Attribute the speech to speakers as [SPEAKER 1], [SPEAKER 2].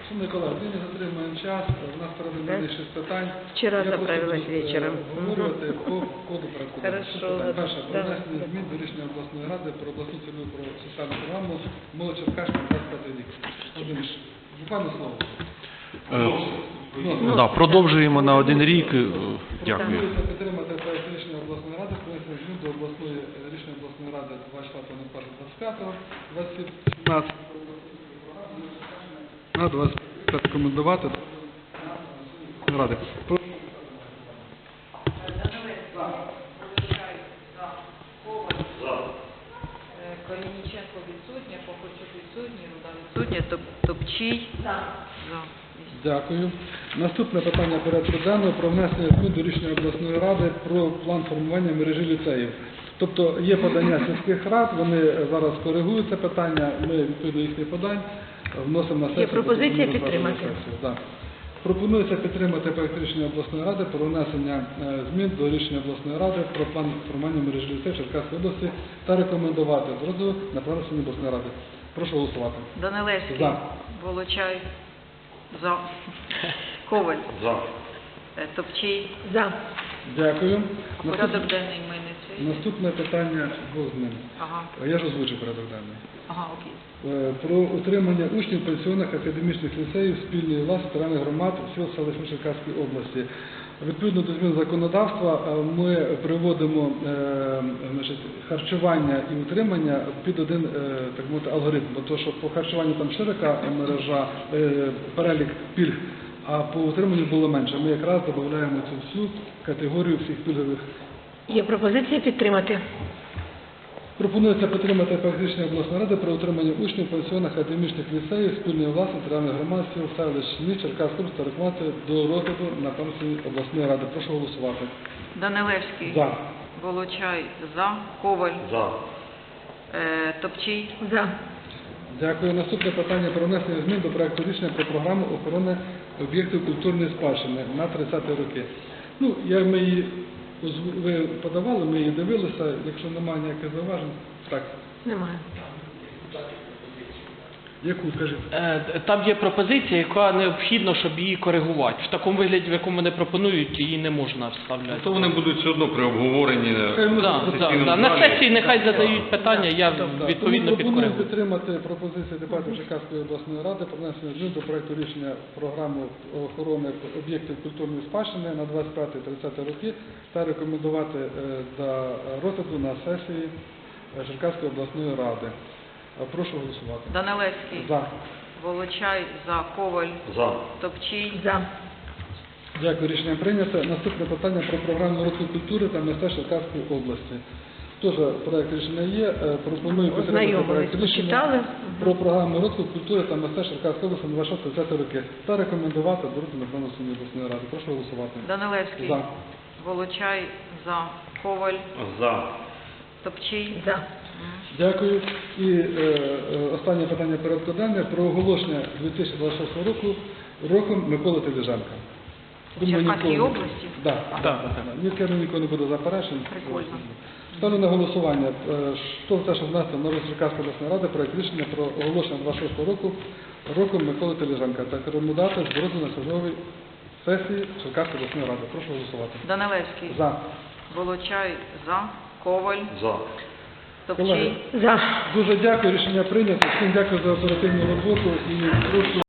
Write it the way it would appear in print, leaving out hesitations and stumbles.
[SPEAKER 1] Шановні колеги, ми не затримуємо час, у нас перед нами 6 питань.
[SPEAKER 2] Вчера
[SPEAKER 1] Я
[SPEAKER 2] заправилась
[SPEAKER 1] просто буду,
[SPEAKER 2] вечером.
[SPEAKER 1] Говорити по ходу порядку.
[SPEAKER 2] Хорошо.
[SPEAKER 1] Перше, про
[SPEAKER 2] Да.
[SPEAKER 1] внесення змін до рішення обласної ради про обласну цільову про соціальну програму «Молодь Черкащина» 25 рік. Володимир, буквально слово.
[SPEAKER 3] Да, продовжуємо на 1 рік. Дякую.
[SPEAKER 1] Пропонується підтримати проект рішення обласної ради про внесення змін до рішення обласної ради 24.01.25, 2017 на 25 рекомендувати ради.
[SPEAKER 2] Колініченко відсутня, Покочук відсутній, Руда відсутня, Топчій. За.
[SPEAKER 1] Дякую. Наступне питання порядку денного про внесення змін до рішення обласної ради про план формування мережі ліцеїв. Тобто є подання сільських рад, вони зараз коригують це питання, ми відповідно їхніх подань вносимо на сесію.
[SPEAKER 2] Є пропозиція підтримати.
[SPEAKER 1] Так. Пропонується підтримати проект рішення обласної ради про внесення змін до рішення обласної ради про план формування мережі ліцеїв Черкаської області та рекомендувати з розгляду на проведення обласної ради. Прошу голосувати.
[SPEAKER 2] Данилевський.
[SPEAKER 1] За.
[SPEAKER 2] Волочай. За. Коваль.
[SPEAKER 3] За.
[SPEAKER 2] Топчій. За.
[SPEAKER 1] Дякую.
[SPEAKER 2] Порядок денний ми не цей.
[SPEAKER 1] Наступне питання двох змін.
[SPEAKER 2] Ага.
[SPEAKER 1] Я ж озвучив порядок денний.
[SPEAKER 2] Ага, окей.
[SPEAKER 1] Про утримання учнів пенсіонних академічних ліцеїв спільної власності територіальних громад сіл селищ Черкаської області. Відповідно до змін законодавства ми приводимо харчування і утримання під один так мовити, алгоритм, бо то, що по харчуванню там широка мережа, перелік пільг, а по утриманню було менше. Ми якраз додаємо цю всю категорію всіх пільгових.
[SPEAKER 2] Є пропозиція підтримати.
[SPEAKER 1] Пропонується підтримати проект рішення обласної ради про утримання учнів пенсіонних академічних ліцеїв спільної власності територіальних громад сіл селищ міст Черкаської області та рекомендувати до розгляду на комісії обласної ради. Прошу голосувати.
[SPEAKER 2] Данилевський.
[SPEAKER 1] За.
[SPEAKER 2] Волочай. За. Коваль.
[SPEAKER 3] За.
[SPEAKER 2] Топчій. За.
[SPEAKER 1] Дякую. Наступне питання про внесення змін до проекту рішення про програму охорони об'єктів культурної спадщини на 30-ті роки. Ну, ми її ви подавали, ми її дивилися. Якщо немає ніяких зауважень, так.
[SPEAKER 2] Немає.
[SPEAKER 1] Яку, скажіть?
[SPEAKER 4] Там є пропозиція, яка необхідно, щоб її коригувати. В такому вигляді, в якому вони пропонують, її не можна вставляти.
[SPEAKER 3] То вони будуть все одно при обговоренні.
[SPEAKER 4] На сесії нехай задають питання, я відповідно
[SPEAKER 1] Пропоную
[SPEAKER 4] підкоригую.
[SPEAKER 1] підтримати пропозиції депутатів Черкаської обласної ради про внесення змін до проекту рішення програми охорони об'єктів культурної спадщини на 25-30 роки та рекомендувати до розгляду на сесії Черкаської обласної ради. Прошу голосувати.
[SPEAKER 2] Данилевський.
[SPEAKER 1] За.
[SPEAKER 2] Волочай. За. Коваль.
[SPEAKER 3] За.
[SPEAKER 2] Топчій. За.
[SPEAKER 1] Дякую, рішення прийнято. Наступне питання про програму розвитку культури та мистецтв Черкаської області. Теж проект рішення є. Пропоную підтримати проект рішення про програму розвитку культури та мистецтв Черкаської області на 26-30 роки та рекомендувати до розгляду на проведення обласної ради. Прошу голосувати.
[SPEAKER 2] Данилевський.
[SPEAKER 1] За.
[SPEAKER 2] Волочай. За. Коваль.
[SPEAKER 3] За.
[SPEAKER 2] Топчій. За.
[SPEAKER 1] Дякую. І останнє питання порядку денного про оголошення 2026 року роком Миколи Теліженка.
[SPEAKER 2] В Черкаській області?
[SPEAKER 1] Так. Нікого не буде заперечень.
[SPEAKER 2] Прикольно.
[SPEAKER 1] Ставлю на голосування. Хто за те, щоб внести на розгляд Черкаської обласної ради проект рішення про оголошення 26 року роком Миколи Теліженка та рекомендувати з розгляду на черговій сесії Черкаської обласної ради. Прошу голосувати.
[SPEAKER 2] Данилевський.
[SPEAKER 1] За.
[SPEAKER 2] Волочай. За. Коваль.
[SPEAKER 3] За.
[SPEAKER 2] Топчій.
[SPEAKER 1] За. Дуже дякую. Рішення прийнято. Всім дякую за оперативну роботу і прошу